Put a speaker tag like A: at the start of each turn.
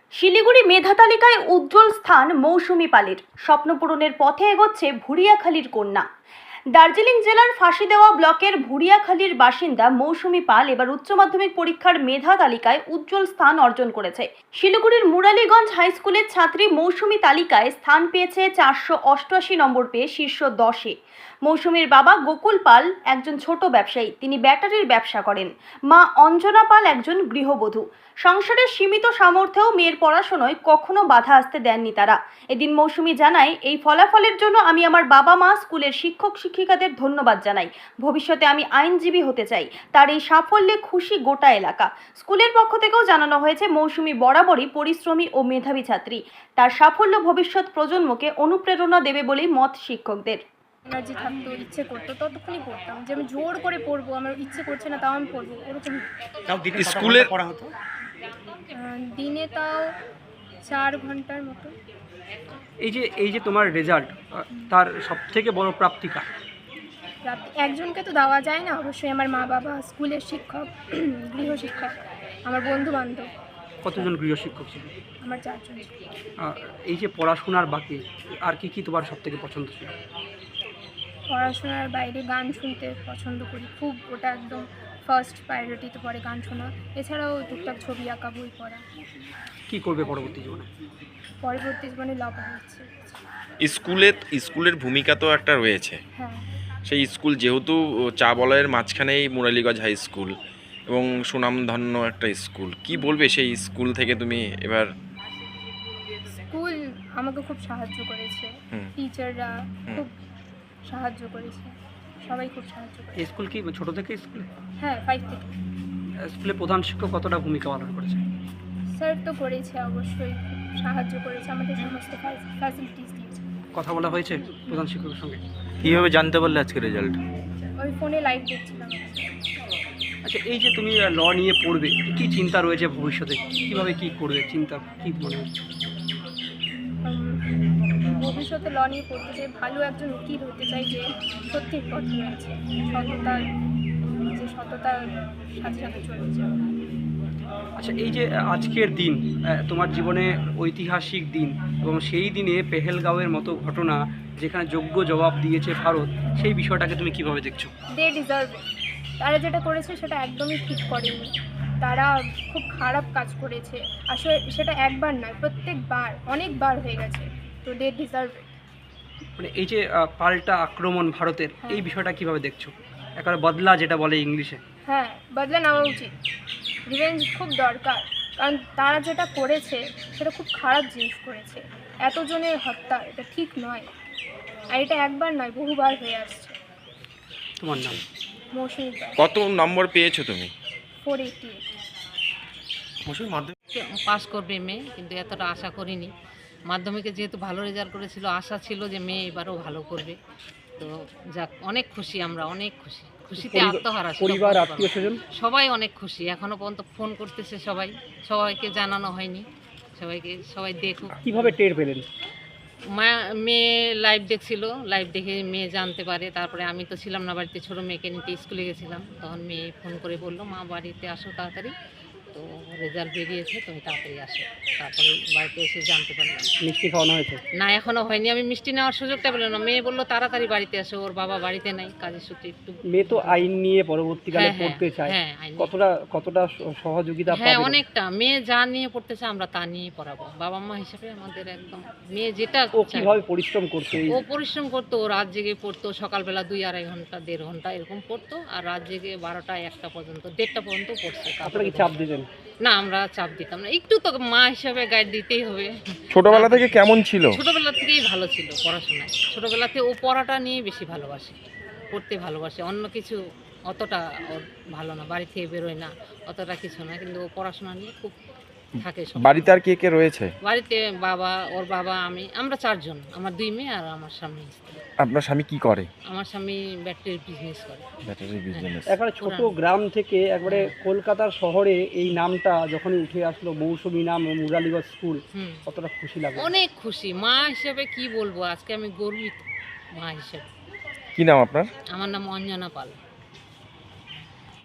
A: শিলিগুড়ি মেধা তালিকায় উজ্জ্বল স্থান মৌসুমী পালের। স্বপ্ন পূরণের পথে এগোচ্ছে ভুরিয়াখালীর কন্যা। দার্জিলিং জেলার ফাঁসিদেওয়া ব্লকের ভুরিয়াখালীর বাসিন্দা মৌসুমী পাল এবার উচ্চ মাধ্যমিক পরীক্ষার মেধা তালিকায় উজ্জ্বল স্থান অর্জন করেছে। শিলিগুড়ির মুরালীগঞ্জ হাই স্কুলের ছাত্রী মৌসুমী তালিকায় স্থান পেয়েছে 488 নম্বর পেয়ে শীর্ষ 10-এ। মৌসুমীর বাবা গোকুল পাল একজন ছোট ব্যবসায়ী, তিনি ব্যাটারির ব্যবসা করেন। মা অঞ্জনা পাল একজন গৃহবধূ। সংসারের সীমিত সামর্থ্যেও মেয়ের পড়াশোনায় কখনো বাধা আসতে দেননি তারা। এদিন মৌসুমী জানায়, এই ফলাফলের জন্য আমি আমার বাবা মা, স্কুলের শিক্ষক শিক্ষিকাদের ধন্যবাদ জানাই। ভবিষ্যতে আমি আইনজীবী হতে চাই। তার এই সাফল্যে খুশি গোটা এলাকা। স্কুলের পক্ষ থেকেও জানানো হয়েছে, মৌসুমী বরাবরই পরিশ্রমী ও মেধাবী ছাত্রী। তার সাফল্য ভবিষ্যৎ প্রজন্মকে অনুপ্রেরণা দেবে বলেই মত শিক্ষকদের।
B: এনার্জি থাকতো, ইচ্ছে করতো, ততক্ষণই পড়তাম। যে আমি জোর করে পড়বো, আমার ইচ্ছে করছে না তাও আমি পড়বো, ওরকম
C: স্কুলে
D: পড়া হতো।
B: দিনে তাও 4 ঘন্টার মতো।
D: এই যে তোমার রেজাল্ট, তার সবথেকে বড় প্রাপ্তিকা
B: একজনকে তো দেওয়া যায় না, অবশ্যই আমার মা বাবা, স্কুলের শিক্ষক, গৃহশিক্ষক, আমার বন্ধু বান্ধব।
D: কতজন গৃহশিক্ষক ছিল?
B: আমার 4 জন।
D: এই যে পড়াশোনার বাকি আর কি তোমার সবথেকে পছন্দ ছিল?
B: পড়াশোনার বাইরে গান শুনতে পছন্দ করি খুব, ওটা একদম ফার্স্ট প্রায়োরিটিতে পড়ে গান শোনা। এছাড়াও টুকটাক ছবি আঁকা, বই পড়া।
D: কি করবে পরবর্তী জীবনে?
B: পরবর্তী জীবনে ল পড়াচ্ছি।
C: স্কুলের ভূমিকা তো একটা রয়েছে।
B: হ্যাঁ,
C: সেই স্কুল যেহেতু চা বলয়ের মাঝখানেই মুরালীগঞ্জ হাই স্কুল এবং সুনামধন্য একটা স্কুল, কি বলবে সেই স্কুল থেকে তুমি এবার?
B: স্কুল আমাকে খুব সাহায্য করেছে, টিচাররা খুব সাহায্য করেছে, সবাই খুব সাহায্য করেছে।
D: এই স্কুল কি ছোট থেকে স্কুলে?
B: হ্যাঁ, 5 থেকে।
D: স্কুলে প্রধান শিক্ষক কতটা ভূমিকা পালন করেছে?
B: স্যার তো করেছে, অবশ্যই খুব সাহায্য করেছে, আমাদের সমস্ত ফ্যাসিলিটিস দিয়েছে।
D: কথা বলা হয়েছে প্রধান শিক্ষকের সঙ্গে?
E: কীভাবে জানতে পারলে আজকে রেজাল্ট?
B: ওই ফোনে লাইভ দেখছিলাম।
D: আচ্ছা, এই যে তুমি ল নিয়ে পড়বে, কি চিন্তা রয়েছে ভবিষ্যতে? কিভাবে কি করবে চিন্তা, কি মনে হচ্ছে?
B: ভবিষ্যতে ল নিয়ে পড়তে চাই, ভালো একজন উকিল হতে চাই, যে সত্যির পথ রয়েছে, সততার সাথে সাথে চলেছে।
D: আচ্ছা, এই যে আজকের দিন তোমার জীবনে ঐতিহাসিক দিন, এবং সেই দিনে পেহেলগাঁওয়ের মতো ঘটনা যেখানে যোগ্য জবাব দিয়েছে ভারত, সেই বিষয়টাকে তুমি কিভাবে দেখছো?
B: They deserve it. তারা যেটা করেছে সেটা একদমই ঠিক করেনি, তারা খুব খারাপ কাজ করেছে। আসলে সেটা একবার নয়, প্রত্যেকবার অনেকবার হয়ে গেছে। তো দে ডিজার্ভ ইট।
D: মানে এই যে পাল্টা আক্রমণ ভারতের, এই বিষয়টা কিভাবে দেখছো? একেবারে বদলা যেটা বলে ইংলিশে।
B: হ্যাঁ, বদলা নেওয়া উচিত। রিভেঞ্জ খুব দরকার, কারণ তারা যেটা করেছে সেটা খুব খারাপ জিনিস করেছে। এতজনের হত্যা, এটা ঠিক নয়। আর এটা একবার নয়, বহুবার হয়ে আসছে।
D: তোমার নাম?
B: মৌসুমী পাল।
C: কত নম্বর পেয়েছো তুমি?
B: 488।
F: পাস করবে মেয়ে, কিন্তু এতটা আশা করিনি। মাধ্যমিকে যেহেতু ভালো রেজাল্ট করেছিল, আশা ছিল যে মেয়ে এবারও ভালো করবে। তো যাক, অনেক খুশি, আমরা অনেক খুশি, খুশিতে আত্মহারা।
D: পরিবার, আত্মীয় স্বজন
F: সবাই অনেক খুশি। এখনো পর্যন্ত ফোন করতেছে সবাইকে জানানো হয়নি, সবাই দেখুক।
D: কিভাবে টের পেলেন?
F: মেয়ে লাইভ দেখছিল, লাইভ দেখে মেয়ে জানতে পারে। তারপরে আমি তো ছিলাম না বাড়িতে, ছোটো মেয়েকে নিতে স্কুলে গেছিলাম, তখন মেয়ে ফোন করে বললো, মা বাড়িতে আসো তাড়াতাড়ি, তো রেজাল্ট বেরিয়েছে, তুমি তাড়াতাড়ি আসো। তারপরে বাড়িতে এসে জানতে পারলাম।
D: মিষ্টি খাওয়ানো হয়েছে?
F: না, এখনো হয়নি, আমি মিষ্টি নেওয়ার সুযোগটা পেলাম না। মেয়ে বললো তাড়াতাড়ি বাড়িতে আসো, ওর বাবা বাড়িতে নাই, কাজের সূত্রে একটু।
D: মেয়ে তো আইন নিয়ে পরবর্তীকালে পড়তে চায়,
F: হ্যাঁ,
D: কতটা সহযোগিতা পাবে?
F: হ্যাঁ, অনেকটা। মেয়ে যা নিয়ে পড়তেছে আমরা তা নিয়ে পড়াবো। বাবা মা হিসেবে আমাদের একদম, মেয়ে যেটা
D: ও কিভাবে পরিশ্রম করতে?
F: ও পরিশ্রম করতো, ও রাত জেগে পড়তো। সকালবেলা 2-2.5 ঘন্টা, 1.5 ঘন্টা এরকম পড়তো, আর রাত জেগে 12টা 1টা পর্যন্ত, 1:30টা পর্যন্ত পড়ছে।
D: আপনারা কি চাপ দিতেন?
F: না, আমরা চাপ দিতাম না, একটু তো মা হিসাবে গাইড দিতেই হবে।
C: ছোটবেলা থেকে কেমন ছিল?
F: ছোটবেলা থেকেই ভালো ছিল পড়াশোনায়। ছোটবেলা থেকে ও পড়াটা নিয়ে বেশি ভালোবাসে, পড়তে ভালোবাসে। অন্য কিছু অতটা ওর ভালো না, বাড়ি থেকে বেরোয় না, অতটা কিছু না, কিন্তু ও পড়াশোনা নিয়ে খুব থাকে।
C: বাড়িতে আর কে কে রয়েছে?
F: বাড়িতে বাবা, ওর বাবা, আমরা 4 জন, আমার 2 মেয়ে আর আমার স্বামী।
C: আপনার স্বামী কি করে?
F: আমার স্বামী ব্যাটারির বিজনেস করে।
C: Battery business.
D: একবারে ছোট গ্রাম থেকে একবারে কলকাতার শহরে এই নামটা যখনই উঠে আসলো, মৌসুমী নাম, মুরালীগঞ্জ স্কুল, কতটা খুশি লাগে?
F: অনেক খুশি। মা হিসেবে কি বলবো, আজকে আমি গর্বিত মা হিসেবে।
C: কি নাম আপনার?
F: আমার নাম অঞ্জনা পাল।